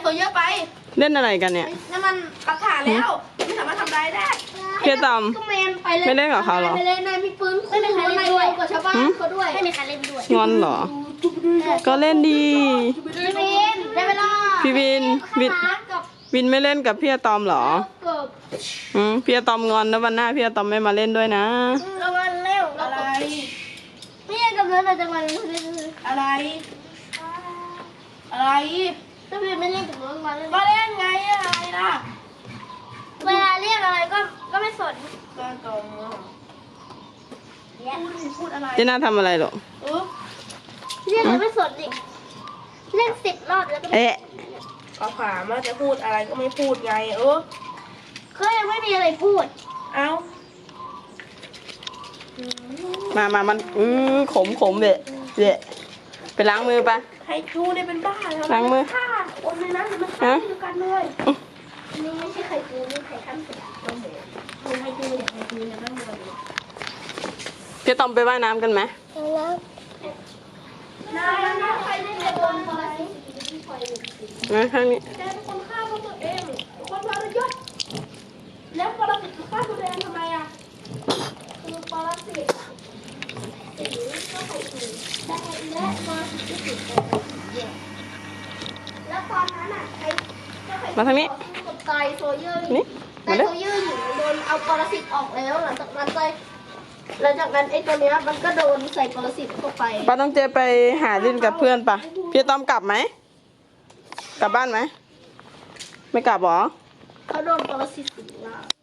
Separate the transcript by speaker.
Speaker 1: ตัวเยอะไป
Speaker 2: เล่นอะไรกันเนี่ย
Speaker 1: นั่นมันหลักฐานแล้วไม่สามารถทำได้ได้
Speaker 2: เพียตอม
Speaker 3: ก็แมนไปเลย
Speaker 2: ไม่เล่นกับเขาเหรอ
Speaker 3: ไปเลยนายมีปืนไม่มีใครเล่นด้วยกับชาวบ้านเขาด้วยไม่มีใครเล่นด้วย
Speaker 2: งอนเหรอ ก็เล่นดี
Speaker 3: พี่วินได้เวลา
Speaker 2: พี่วินวิน
Speaker 3: กับ
Speaker 2: วินไม่เล่นกับพี่อะตอมเหรอ
Speaker 3: เกิบ
Speaker 2: พี่อะตอมงอนแล้ววันหน้าพี่อะตอมไม่มาเล่นด้วยนะ
Speaker 3: ระวังเร็ว
Speaker 1: อะไร
Speaker 3: ไม่ใช่กับเนื้อเราจะมาเล่น
Speaker 1: อะไร อะไร
Speaker 3: ถ้าพี่ไม่เล่นกับน้องมาเล่น
Speaker 1: มาเล่นไงอะไรล่ะ
Speaker 3: เวลาเรียกอะไรก็ไม่สน
Speaker 1: ก็ตรงพูดอะไร
Speaker 2: เจน่าทำอะไรหรอ
Speaker 3: เรียกอะไรไม่สนดิเล่น10 รอบแล้วก็ไม่
Speaker 2: เอ๊ะ
Speaker 1: ก็ถามว่าจะพูดอะไรก็ไม่พูดไง
Speaker 3: ก็ยังไม่มีอะไรพูด
Speaker 1: เอ้า
Speaker 2: มันขมเดะไปล้างมือปะ
Speaker 1: ให้จูได้เป็นบ้าแล้ว
Speaker 2: ล้างมือ
Speaker 1: ฆ่าคนในนั้นมันฆ่าเดียวกันเลย
Speaker 3: นี่ไม่ใช่ไข่ปูนี่ไข่ข้ามเสือ
Speaker 1: คุณให้จูเนี่ยให้จูเนี่ยไม่มีอะไรเลย
Speaker 2: พี่อะตอมไปว่ายน้ำกันไหม
Speaker 3: แล้วนายใครเล่นโดนอะไร
Speaker 2: มาข้างนี้
Speaker 1: แกเป็นคนฆ่าพวกตัวเองเป็นคนทรยศแล้วปรสิตฆ่าตัวเองทำไมอ่ะ
Speaker 3: คือปรสิตสีก็ไข่ปูได้และมาที่ติดแล้วตอนนั้นอ่ะใครก็ใคร
Speaker 2: มาทางนี้
Speaker 3: กับไตโซเยอร์
Speaker 2: นี่
Speaker 3: ไต
Speaker 2: มาเร็
Speaker 3: โซ
Speaker 2: ว
Speaker 3: เยอร์หญิงโดนเอาปรสิตออกแล้วหลังจากนั้นไอ้ตัวเนี้ยมันก็โดนใส่ปรสิตเข้าไป
Speaker 2: ป้าต้องเจไปหาลินกับเพื่อนปะพี่อะตอมกลับไหมกลับบ้านไหมไม่กลับหรอ
Speaker 3: เขาโดนปรสิตสิงร่าง